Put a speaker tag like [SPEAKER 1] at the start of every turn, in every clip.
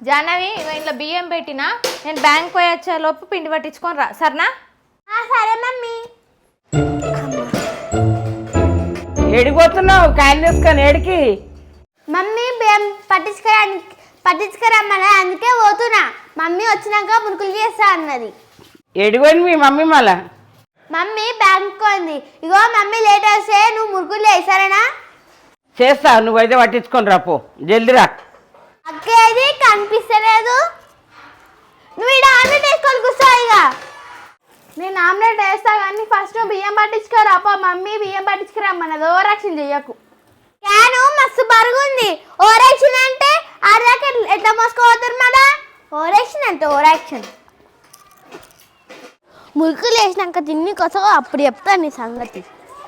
[SPEAKER 1] జాహ్నవి ఇంట్లో బియ్యం పెట్టినా నేను బ్యాంక్ పోయి వచ్చే లోపు పిండి పట్టించుకొని రా సరేనా?
[SPEAKER 2] సరే మమ్మీ.
[SPEAKER 3] ఏడిపోతున్నావు కాయలు తీసుకొని ఏడికి?
[SPEAKER 2] మమ్మీ బియ్యం పట్టించుకురమ్మని అందుకే పోతున్నా. మమ్మీ వచ్చినాక మురుకులు చేస్తా అన్నది.
[SPEAKER 3] ఏడిపోయింది మీ మమ్మీ మళ్ళా?
[SPEAKER 2] మమ్మీ బ్యాంక్ పోయింది. ఇగో మమ్మీ లేట్ వస్తే నువ్వు మురుకులు చేయి సరేనా?
[SPEAKER 3] చేస్తా, నువ్వైతే పట్టించుకొని రా, పో జల్దీ రా.
[SPEAKER 2] అక్కేది కనిపిస్తలేదు. నువ్వు ఇక్కడ ఆమ్లెట్ వేసుకొని కూర్చో. ఇక
[SPEAKER 1] నేను ఆమ్లెట్ వేస్తా కానీ ఫస్ట్ నువ్వు బియ్యం పట్టించుకోరా. అప్ప మమ్మీ బియ్యం పట్టించుకురమ్మన్నది, ఓవర్ యాక్షన్ చెయ్యకు.
[SPEAKER 2] క్యాను మస్తు బరుగుంది. ఓవర్ యాక్షన్ అంటే ఆడదాకా ఎట్లా మోసుకోపోతారు మళ్ళా? ఓవర్ యాక్షన్ అంటే ఓవర్ యాక్షన్. మురుకులు వేసినాక తిన్ని కోసం అప్పుడు చెప్తాను నీ సంగతి.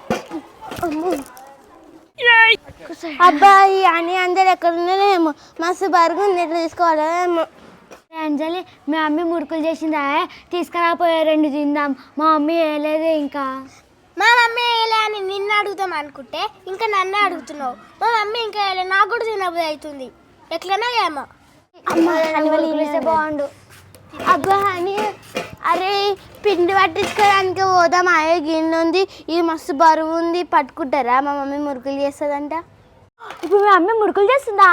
[SPEAKER 2] అబ్బాయి అని అందరు ఎక్కడ ఉన్నారేమో, మస్తు బరుగుంది, ఎట్లా తీసుకోవాలేమో.
[SPEAKER 4] అంజలి మీ మమ్మీ మురుకులు చేసిందా? తీసుకురాపోయా 2 తిందాం. మా మమ్మీ వేయలేదు ఇంకా.
[SPEAKER 2] మా మమ్మీ వేయలే అని నిన్ను అడుగుతాం అనుకుంటే ఇంకా నన్ను అడుగుతున్నావు. మా మమ్మీ ఇంకా వేయలే, నాకు కూడా తినబుద్ధి అవుతుంది. ఎట్లన్నా ఏమో
[SPEAKER 4] బాగుండు.
[SPEAKER 2] అబ్బా అని అరే పిండి పట్టించుకోవడానికి పోదాం. అయ్యే గిన్నె ఉంది, ఇది మస్తు బరువు ఉంది, పట్టుకుంటారా? మా మమ్మీ మురుకులు చేస్తుందంట.
[SPEAKER 4] ఇప్పుడు మీ మమ్మీ మురుకులు చేస్తుందా?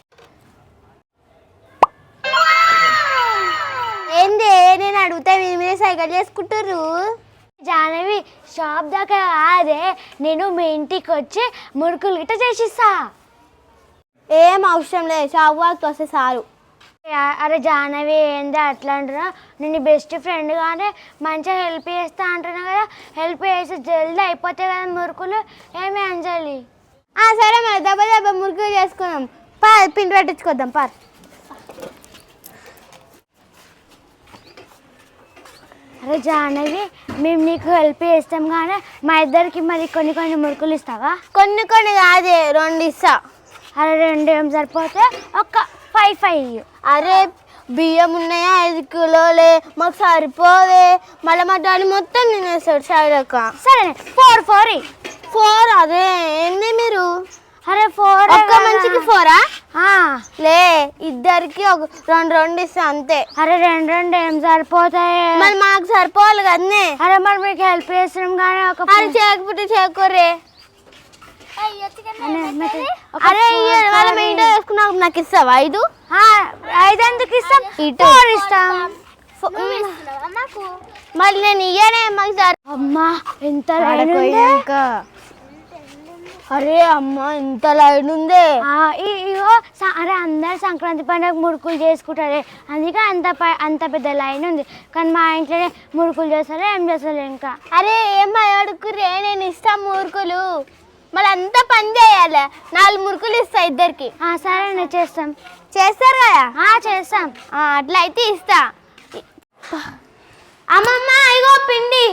[SPEAKER 2] ఏంది నేను అడిగితే మీరే సైకిల్ చేసుకుంటారు.
[SPEAKER 4] జాహ్నవి షాప్ దాకా అదే నేను మీ ఇంటికి వచ్చి మురుకులు గిట్ట చేసిస్తా.
[SPEAKER 2] ఏం అవసరం లేదు, షాప్ వాళ్ళకి వస్తే సారు.
[SPEAKER 4] అరే జాహ్నవి ఏంది అట్లా అంటున్నా? నేను బెస్ట్ ఫ్రెండ్ కానీ మంచిగా హెల్ప్ చేస్తా అంటున్నా కదా. హెల్ప్ చేసి జల్దీ అయిపోతాయి కదా మురుకులు. ఏమి అంజలి?
[SPEAKER 2] సరే మరి దెబ్బ దెబ్బ మురుకులు చేసుకుందాం. పిండి పట్టించుకొద్దాం పార్.
[SPEAKER 4] అరే జాహ్నవి మేము నీకు హెల్ప్ చేస్తాం కానీ మా ఇద్దరికి మరి కొన్ని మురుకులు ఇస్తావా?
[SPEAKER 2] కొన్ని కాదే 2 ఇస్తా.
[SPEAKER 4] అరే 2 ఏం సరిపోతే ఒక 5
[SPEAKER 2] అరే బియ్యం ఉన్నాయా 5 కిలోలే, మాకు సరిపోవే. మళ్ళీ మా డాడీ మొత్తం తినేస్తాడు సైడ్ అక్క.
[SPEAKER 4] సరే 4
[SPEAKER 2] అదే ఏంది మీరు?
[SPEAKER 4] అరే 4
[SPEAKER 2] ఒక్క మంచికి 4 లే, ఇద్దరికి ఒక 2 ఇస్తా అంతే.
[SPEAKER 4] అరే 2 ఏం సరిపోతాయి?
[SPEAKER 2] మరి మాకు సరిపోవాలి కదనే.
[SPEAKER 4] అరే మరి మీకు హెల్ప్ చేస్తున్నాం కానీ ఒక
[SPEAKER 2] అది చేయకపోతే చేయకూరే. అరే వాళ్ళ మీ ఇంట్లో వేసుకున్నాక నాకు ఇస్తావా 5?
[SPEAKER 4] 5 ఎందుకు ఇస్తాం? 4 ఇస్తాం.
[SPEAKER 2] మళ్ళీ నేను ఇయ్యనే మాకు సార్.
[SPEAKER 4] అమ్మా ఎంత
[SPEAKER 2] అరే అమ్మ ఇంత లైన్ ఉందే.
[SPEAKER 4] ఇగో అరే అందరు సంక్రాంతి పండుగ మురుకులు చేసుకుంటారే, అందుకే అంత పెద్ద లైన్ ఉంది. కానీ మా ఇంట్లోనే మురుకులు చేస్తారు, ఏం చేస్తారు ఇంకా.
[SPEAKER 2] అరే ఏం అడుగురే, నేను ఇస్తా మురుకులు. మళ్ళీ అంతా పని చేయాలి. 4 మురుకులు ఇస్తా ఇద్దరికి.
[SPEAKER 4] సరే నేను చేస్తాం.
[SPEAKER 2] చేస్తారు కదా?
[SPEAKER 4] చేస్తాం.
[SPEAKER 2] అట్లా అయితే ఇస్తా. అమ్మమ్మ ఇగో పిండి.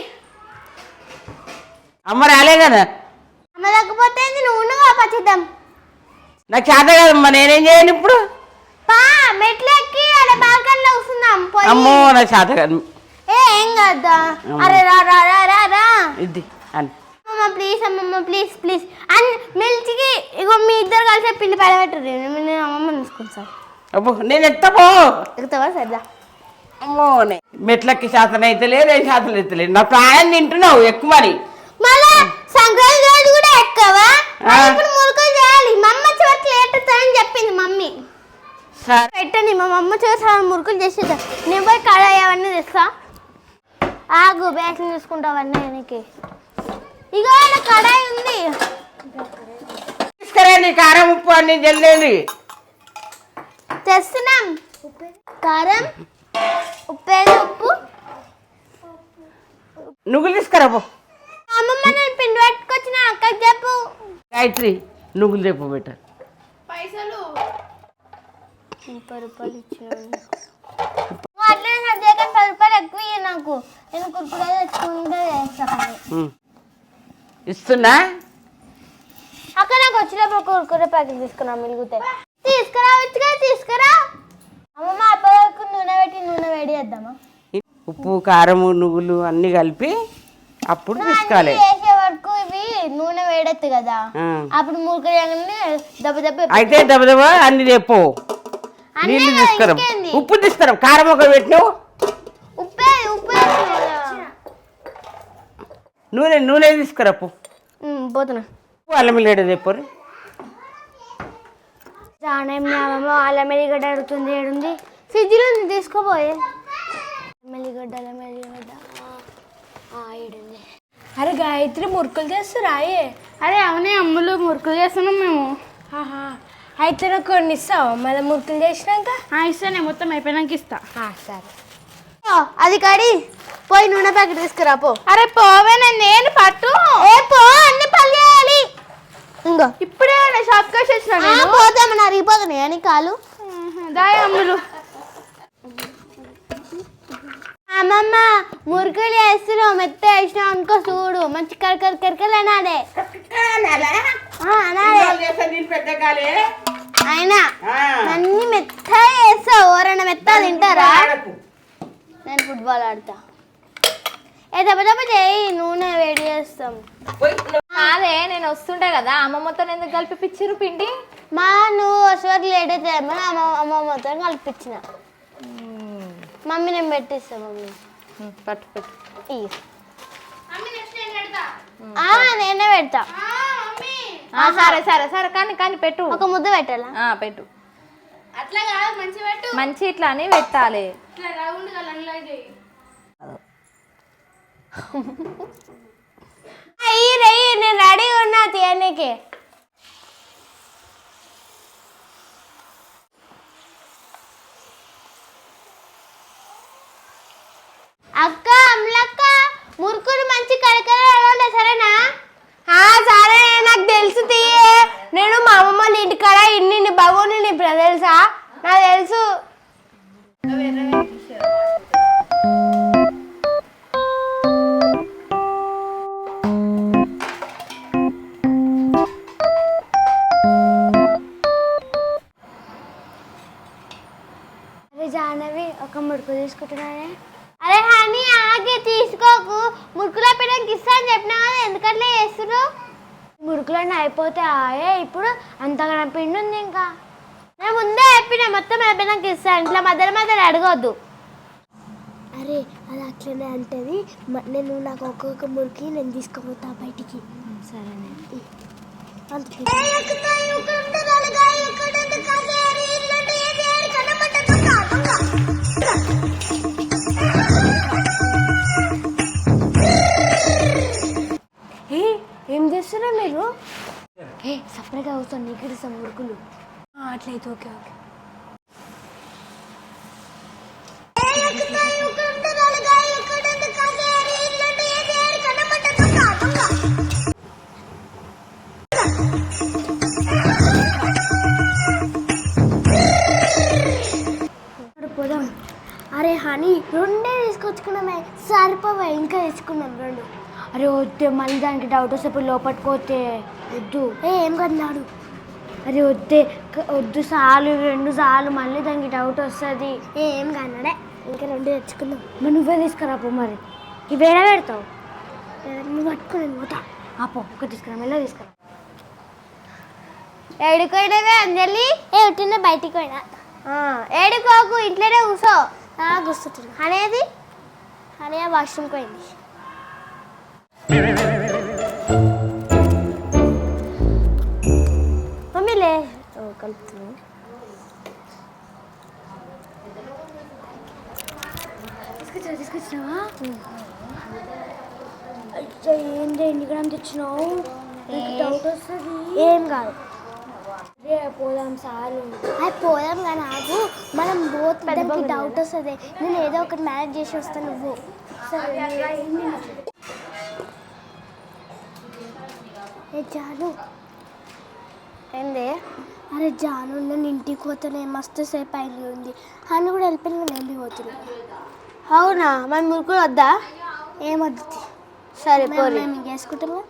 [SPEAKER 3] అమ్మ రాలే కదా?
[SPEAKER 2] అమ్మ లేకపోతే నువ్వు పచ్చిద్దాం.
[SPEAKER 3] నాకు చేత కదమ్మా, నేనేం చేయను ఇప్పుడు?
[SPEAKER 2] మెట్లు ఎక్కి అలా బాల్కనీలో కూర్చుందాం.
[SPEAKER 3] అమ్మో నాకు చేత కాదు.
[SPEAKER 2] ఏం కదా? అరే రా రా రా రా రా
[SPEAKER 3] ఇది అని
[SPEAKER 2] అమ్మమ్మ ప్లీజ్, అమ్మమ్మ ప్లీజ్ ప్లీజ్ అని మెల్చికి ఇగో మీ ఇద్దరు కలిసి పిండి పడబెట్టరు. నేను అమ్మమ్మ తీసుకుంటా.
[SPEAKER 3] అబ్బో నేను ఎత్తపో
[SPEAKER 2] ఎక్కుతావా? సరదా.
[SPEAKER 3] అమ్మో మెట్లకి శాతం అయితే లేదు, ఏం శాతం అయితే లేదు. నా ప్రాణం తింటున్నావు ఎక్కువని.
[SPEAKER 2] మళ్ళా సంక్రాంతి రోజు కూడా ఎక్కవా? ఇప్పుడు మురుకులు చేయాలి. మా అమ్మ చివరికి లేట్ అని చెప్పింది మమ్మీ. పెట్టండి, మా అమ్మ చివరి మురుకులు చేసేదా. నేను పోయి కడాయి అవన్నీ తెస్తా. ఆగు బ్యాగ్లు తీసుకుంటావన్నీ వెనక్కి. ఇగో నా కడాయి ఉంది.
[SPEAKER 3] తీసుకురండి కారం ఉప్పు అన్ని జల్లేండి.
[SPEAKER 2] తెస్తున్నాం. కారం ఉప్పేది ఉప్పు.
[SPEAKER 3] నువ్వులు తీసుకురాబో.
[SPEAKER 2] అమ్మమ్మ నేను పిండి పట్టుకొచ్చిన అక్కకి చెప్పు.
[SPEAKER 3] గాయత్రి నువ్వులు చెప్పు బెట.
[SPEAKER 1] పైసలు
[SPEAKER 2] 30 రూపాయలు ఇచ్చాను. అట్లనే సర్దేక 10 రూపాయలు ఎక్కువ ఇయ్యి నాకు. నేను కుర్కురే తెచ్చుకుంటే చేస్తాను.
[SPEAKER 3] ఇస్తున్నా
[SPEAKER 2] అక్క నాకు వచ్చినప్పుడు కుర్కురే ప్యాకెట్ తీసుకున్నా మిలుగుతాయి. తీసుకురావచ్చుగా, తీసుకురా. అమ్మమ్మ అప్పటివరకు నూనె వేడి చేద్దామా?
[SPEAKER 3] ఉప్పు కారము నువ్వులు అన్ని కలిపి అప్పుడు తీసుకోవాలి.
[SPEAKER 2] వేసే వరకు ఇవి నూనె వేడెత్తు కదా, అప్పుడు మురుకులు దెబ్బ దెబ్బ
[SPEAKER 3] అయితే దెబ్బ దెబ్బ అన్ని చెప్పు. నీళ్ళు తీసుకురా, ఉప్పు తీసుకురా, కారం ఒక పెట్టినావు,
[SPEAKER 2] ఉప్పే ఉప్పే
[SPEAKER 3] నూనె తీసుకురా,
[SPEAKER 2] పోతున్నా.
[SPEAKER 3] అల్లం లేడు రేపు
[SPEAKER 4] జానం నామమ్మ అల్లం ఎల్లిగడ్డ అడుగుతుంది. ఏడుంది?
[SPEAKER 2] ఫ్రిడ్జ్లో తీసుకోపోయే.
[SPEAKER 4] మెల్లిగడ్డ అల్లం ఎల్లిగడ్డ ఏడుంది? అరే గాయత్రి మురుకులు చేస్తురా?
[SPEAKER 1] అరే అవునే అమ్ములు, మురుకులు చేస్తున్నాం మేము.
[SPEAKER 4] అయితే నాకు కొన్ని ఇస్తావా మళ్ళీ మురుకులు చేసినాక?
[SPEAKER 1] ఇస్తానే, మొత్తం అయిపోయినాక ఇస్తా.
[SPEAKER 4] సరే.
[SPEAKER 2] అది కడి పోయి నూనె ప్యాకెట్ తీసుకురా పో.
[SPEAKER 1] అరే పోవేనా, నేను పట్టు.
[SPEAKER 2] పో, అన్ని పని చేయాలి. ఇంకో
[SPEAKER 1] ఇప్పుడే షాప్కి వచ్చి వచ్చినా.
[SPEAKER 2] పోతామని అరిగిపోతున్నాయి అని కాలు.
[SPEAKER 1] దాయ అమ్ములు.
[SPEAKER 2] అమ్మమ్మ మురుకులు వేస్తున్నావు, మెత్త వేసినావు అనుకో, చూడు మంచి కరకరకరకలు అనాడే. అయినా అన్ని మెత్త వేస్తావు, ఎవరైనా మెత్త తింటారా? నేను ఫుట్బాల్ ఆడతా. దెబ్బ చేయి, నూనె వేడి చేస్తాం.
[SPEAKER 5] అదే నేను వస్తుంటే కదా అమ్మమ్మతో ఎందుకు కలిపిచ్చిరు పిండి?
[SPEAKER 2] నువ్వు వచ్చేవరకు లేట్ అయితే అమ్మమ్మతో కలిపించిన. మమ్మీ నేను పెట్టిస్తా. మమ్మీ
[SPEAKER 5] పట్టు పెట్టు.
[SPEAKER 2] నేనే పెడతా.
[SPEAKER 5] సరే సరే సరే, కానీ పెట్టు.
[SPEAKER 2] ఒక ముద్ద పెట్టాలా?
[SPEAKER 5] పెట్టు.
[SPEAKER 1] అట్లా కాదు, మంచి పెట్టు.
[SPEAKER 5] మంచి ఇట్లా అని పెట్టాలి.
[SPEAKER 1] ఇట్లా రౌండ్ గా లన్లాగే.
[SPEAKER 2] నేను రెడీగా ఉన్నా తీయనికి. అక్క అమ్లక్క మురుకులు మంచి కరకర సరేనా? సరే, నాకు తెలుసు తీయే. నేను మా అమ్మమ్మ ఇంటికాడ ఇన్ని బాగోని నీ తెలుసా? నాకు తెలుసు.
[SPEAKER 4] జాహ్నవి ఒక మురుకు తీసుకుంటున్నానే.
[SPEAKER 2] అరే హనీ ఆగి తీసుకోకు, మురుకులో పెట్టడానికి ఇస్తా అని చెప్పినా కదా, ఎందుకట్లా చేస్తున్నావు?
[SPEAKER 4] మురుకులన్నీ అయిపోతాయే, ఇప్పుడు అంతగా పిండి ఉంది ఇంకా.
[SPEAKER 2] నేను ముందే చెప్పిన మొత్తం అయిపోయినాక ఇస్తా, ఇంట్లో మధ్యలో అడగొద్దు.
[SPEAKER 4] అరే అది అట్లనే అంటది. నేను నాకు ఒక్కొక్క మురికి నేను తీసుకుపోతా బయటికి. సరేనే. ఏం చేస్తున్నా మీరు? సపరేట్గా అవుతాను, నీకు ఇస్తాం మురుకులు. అట్లయితే ఓకే ఓకే. పోదాం. అరే హనీ రెండే తీసుకొచ్చుకున్నామే, సరిపోవా? ఇంకా తెచ్చుకున్నాం రెండు. అరే వద్దే, మళ్ళీ దానికి డౌట్ వస్తే ఇప్పుడు లోపట్టుకోతే వద్దు.
[SPEAKER 2] ఏం కన్నాడు?
[SPEAKER 4] అరే వద్దే, వద్దు, చాలు రెండు చాలు, మళ్ళీ దానికి డౌట్ వస్తుంది.
[SPEAKER 2] ఏం కన్నాడే, ఇంకా రెండు తెచ్చుకుందాం.
[SPEAKER 4] మరి నువ్వే తీసుకురాపో. మరి ఇవేనా పెడతావు?
[SPEAKER 2] నువ్వు పట్టుకుని పోతా.
[SPEAKER 4] ఆపో, ఒక తీసుకురా, మెల్ల తీసుకురా.
[SPEAKER 2] ఏడుకోయినవే అంజలి? ఏడున్న బయటికి పోయినా. ఏడుకోకు, ఇంట్లోనే కూర్చో. కూర్చుంటున్నా. అనేది హనీ వాష్రూమ్కి పోయింది. మమ్మీలే కలుపుతున్నాను.
[SPEAKER 4] తీసుకొచ్చినావా? ఏంటి ఎన్నికడం తెచ్చినావు? డౌట్ వస్తుంది.
[SPEAKER 2] ఏం కాదు,
[SPEAKER 4] పోదాం సాలు.
[SPEAKER 2] అది పోదాం కానీ ఆగు, మనం పోతే డౌట్ వస్తుంది. నేను ఏదో ఒకటి మేనేజ్ చేసి వస్తాను. నువ్వు జాను ఏంది? అరే జాను, నేను ఇంటికి పోతానే, మస్తు సేపు అయింది ఉంది. అని కూడా వెళ్ళిపోయిన నేను వెళ్ళిపోతున్నా. అవునా? మన మురుకులు వద్దా? ఏమొద్దు. సరే మేము చేసుకుంటాము.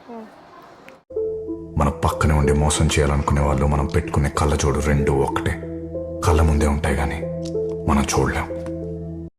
[SPEAKER 6] మన పక్కనే ఉండి మోసం చేయాలనుకునే వాళ్ళు మనం పెట్టుకునే కళ్ళజోడు రెండు ఒకటే. కళ్ళ ముందే ఉంటాయి కానీ మనం చూడలేం.